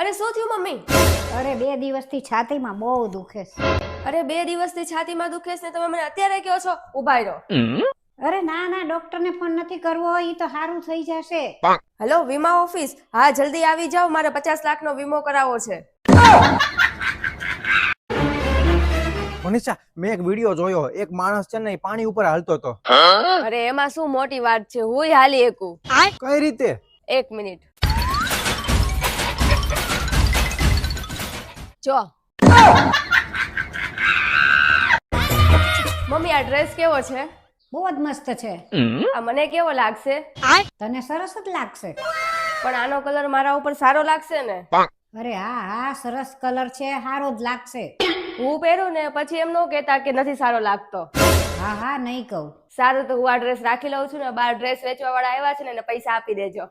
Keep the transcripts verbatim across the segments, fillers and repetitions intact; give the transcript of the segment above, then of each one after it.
અરે શું થયું મમ્મી? અરે બે દિવસથી છાતીમાં બહુ દુખે છે. અરે બે દિવસથી છાતીમાં દુખે છે ને તમે મને અત્યારે કહો છો? ઊભા રહો. અરે ના ના ડોક્ટરને ફોન નથી કરવો, ઈ તો સારું થઈ જશે. હેલો વીમા ઓફિસ? હા જલ્દી આવી જાઓ, મારે પચાસ લાખનો વીમો કરાવવો છે. મનીષા, મેં એક વિડિયો જોયો, એક માણસ છે ને પાણી ઉપર હાલતો હતો. અરે એમાં શું મોટી વાત છે, હુંય હાલી એકું. કઈ રીતે? એક મિનિટ જો મમ્મી આ ડ્રેસ કેવો છે? બહુ જ મસ્ત છે. આ મને કેવો લાગશે? તને સરસ જ લાગશે. પણ આનો કલર મારા ઉપર સારો લાગશે ને? અરે હા હા સરસ કલર છે, સારો જ લાગશે. હું પહેરું ને પછી એમ ન કહેતા કે નથી સારો લાગતો. હા હા નહીં કહું. સારું તો હું આ ડ્રેસ રાખી લઉં છું ને, બાર ડ્રેસ વેચવા વાળા આવ્યા છે ને એને પૈસા આપી દેજો.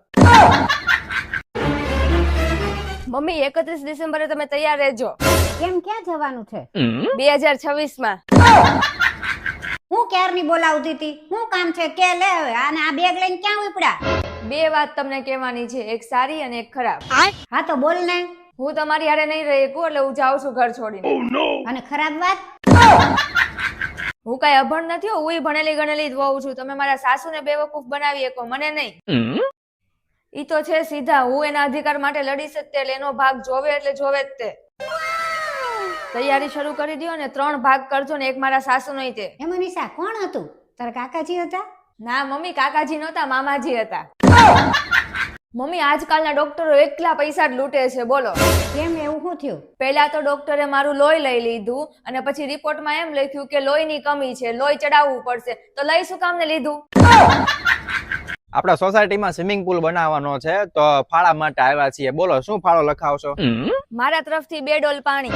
મમ્મી એકત્રીસ ડિસેમ્બરે તમે તૈયાર રહેજો. કેમ ક્યાં જવાનું છે? બે હજાર છવ્વીસ માં. હું ક્યારની બોલાવતી હતી, શું કામ છે કે લે હવે. આને આ બેગ લઈને ક્યાં ઉપડ્યા? બે વાત તમને કહેવાની છે, એક સારી અને એક ખરાબ. હા તો બોલ ને. હું તમારી હારે નહીં રહી શકું એટલે હું જાઉં છું ઘર છોડીને. અને ખરાબ વાત? હું કઈ અભણ નથી, હું ભણેલી ગણેલી જ વહુ છું. તમે મારા સાસુને બેવકૂફ બનાવી શકો, મને નહીં. ઈ તો છે સીધા, હું એના અધિકાર માટે લડીશ જ તે, એટલે એનો ભાગ જોવે એટલે જોવે જ તે. તૈયારી શરૂ કરી દો ને ત્રણ ભાગ કરજો ને, એક મારા સાસુ નહીં તે. એ મનીષા કોણ હતું? તારા કાકાજી હતા? ના મમ્મી, કાકાજી નહોતા, મામાજી હતા. મમ્મી આજકાલના ડોક્ટરો એકલા પૈસા જ લૂંટે છે, બોલો. કેમ એવું શું થયું? પહેલા તો ડોક્ટરે મારું લોહી લઈ લીધું અને પછી રિપોર્ટમાં એમ લખ્યું કે લોહીની કમી છે, લોહી ચડાવવું પડશે. તો લઈ શું કામને લીધું? આપણા સોસાયટીમાં સ્વિમિંગ પુલ બનાવવાનો છે તો ફાળા માટે આવ્યા છીએ. બોલો શું ફાળો લખાવશો? મારા તરફથી બે ડોલ પાણી.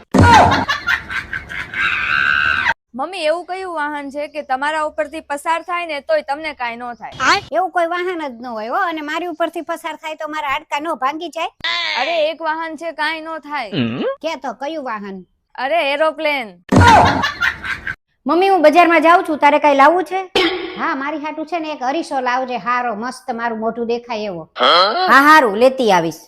મમ્મી એવું કયું વાહન છે કે તમારા ઉપરથી પસાર થાય ને તોય તમને કાઈ ન થાય? એવું કોઈ વાહન જ ન હોય હો. અને મારી ઉપરથી પસાર થાય તો મારા હાડકા નો ભાંગી જાય? અરે એક વાહન છે કાઈ ન થાય. કે તો કયું વાહન? અરે એરોપ્લેન. મમ્મી હું બજારમાં જાઉં છું, તારે કઈ લાવવું છે? હા મારી હાટુ છે ને એક અરીસો લાવજે, હારો મસ્ત મારું મોઢું દેખાય એવો. હા હારું લેતી આવીશ.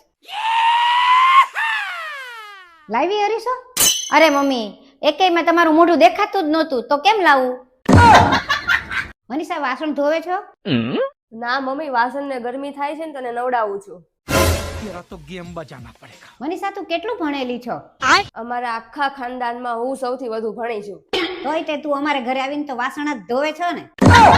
લાવી અરીસો? અરે મમ્મી એકેય માં તમારું મોઢું દેખાતું જ નહોતું તો કેમ લાવું? મનીષા વાસણ ધોવે છો? ના મમ્મી, વાસણને ગરમી થાય છે ને તને નવડાવું છું. तेरा तो गेम बजाना पड़ेगा. મનીષા તું કેટલું ભણેલી છો? અમારા આખા ખાનદાનમાં હું સૌથી વધુ ભણી છું. તોય તે તું અમારે ઘરે આવીને તો વાસણ જ ધોવે છો ને?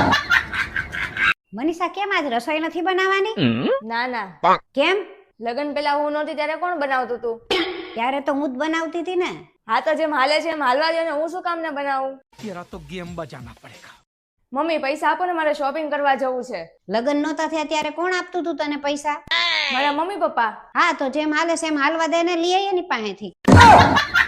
મનીષા કેમ આજ રસોઈ નથી બનાવવાની? ના ના. કેમ? લગન પેલા હું નહોતી ત્યારે કોણ બનાવતું તું? ત્યારે તો હું જ બનાવતી હતી ને. હા તો જેમ હાલે છે એમ હાલવા દે ને, હું શું કામ ને બનાવું? तेरा तो गेम बजाना पड़ेगा. મમ્મી પૈસા આપો ને, મારે શોપિંગ કરવા જવું છે. લગન નહોતા થયા ત્યારે કોણ આપતું તું તને પૈસા? મારા મમ્મી પપ્પા. હા તો જેમ હાલે છે એમ હાલવા દે ને, લઈ આવીએ ની પાસેથી.